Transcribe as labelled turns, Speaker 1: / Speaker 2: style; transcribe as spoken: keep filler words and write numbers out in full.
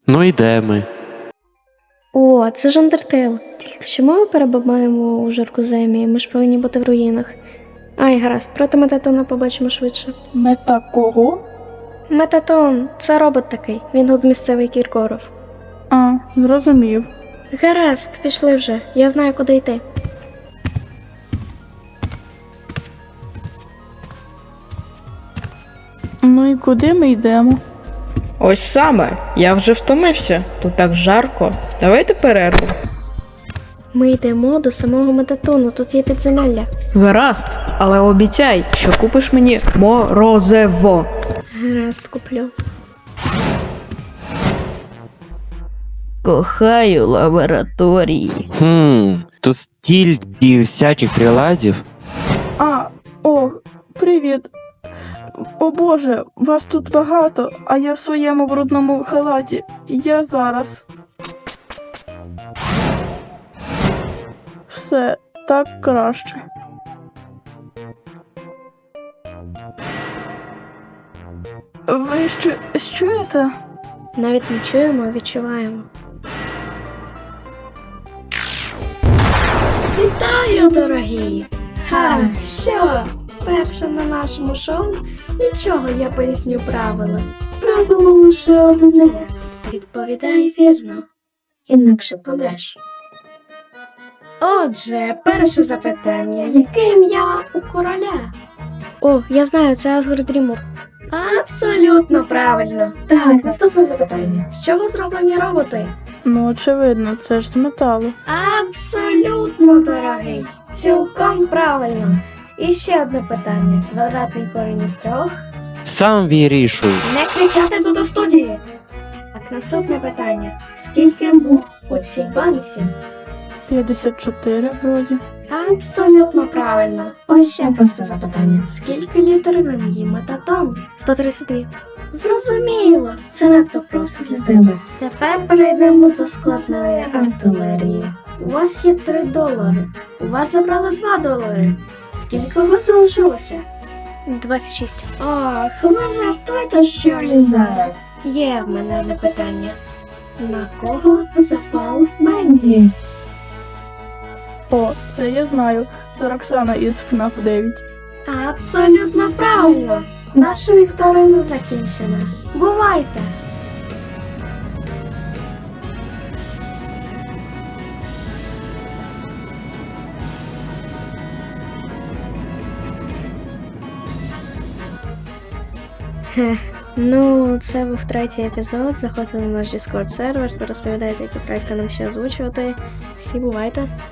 Speaker 1: Ну і де ми?
Speaker 2: О, це ж Undertale. Тільки чому ми перебуваємо у Жоркуземі? Ми ж повинні бути в руїнах. Ай, гаразд, проти Метатона побачимо швидше.
Speaker 3: Мета кого?
Speaker 2: Метатон, це робот такий. Він тут місцевий Кіркоров.
Speaker 3: А, зрозумів.
Speaker 2: Гаразд, пішли вже. Я знаю, куди йти.
Speaker 3: Ну і куди ми йдемо?
Speaker 4: Ось саме, я вже втомився. Тут так жарко. Давайте перерву.
Speaker 2: Ми йдемо до самого Метатону, тут є підземелля.
Speaker 4: Гаразд, але обіцяй, що купиш мені морозиво.
Speaker 2: Гаразд, куплю.
Speaker 4: Кохаю лабораторії.
Speaker 1: Хм, тут стільки всяких приладів.
Speaker 3: А, о, привіт. О боже, вас тут багато, а я в своєму брудному халаті. Я зараз. Все, так краще. Ви що, чуєте?
Speaker 2: Навіть не чуємо, а відчуваємо. Вітаю, дорогі! Ха, що? Перше на нашому шоу? Нічого, я поясню правила. Правило лише одне. Відповідай вірно, інакше помреш. Отже, перше запитання. Яке ім'я у короля? О, я знаю, це Асгард Дрімур. Абсолютно правильно. Так, наступне запитання. З чого зроблені роботи?
Speaker 3: Ну, очевидно, це ж з металу.
Speaker 2: Абсолютно, дорогий. Цілком правильно. І ще одне питання. Квадратний корінь із трьох.
Speaker 1: Сам вирішуй.
Speaker 2: Не кричати тут у студії. Так, наступне питання. Скільки мух у цій банці?
Speaker 3: п'ятдесят чотири вроді.
Speaker 2: Абсолютно правильно. Ось ще просте запитання. Скільки літер в ім'ї Метатон? сто тридцять дві. Зрозуміло. Це надто просто для тебе. Тепер перейдемо до складної артилерії. У вас є три долари. У вас забрали два долари. Скільки у вас залишилося? двадцять шість. Ох, ви жартуєте, що ли зараз? Є в мене одне питання. На кого запав Бензі?
Speaker 3: О, це я знаю. Це Роксана із ФНАФ дев'ять.
Speaker 2: Абсолютно правильно. Наша вікторина закінчена. Бувайте! Хех, ну, це був третій епізод. Заходьте на наш Discord сервер та розповідайте, які проекти нам ще озвучувати. Всі бувайте!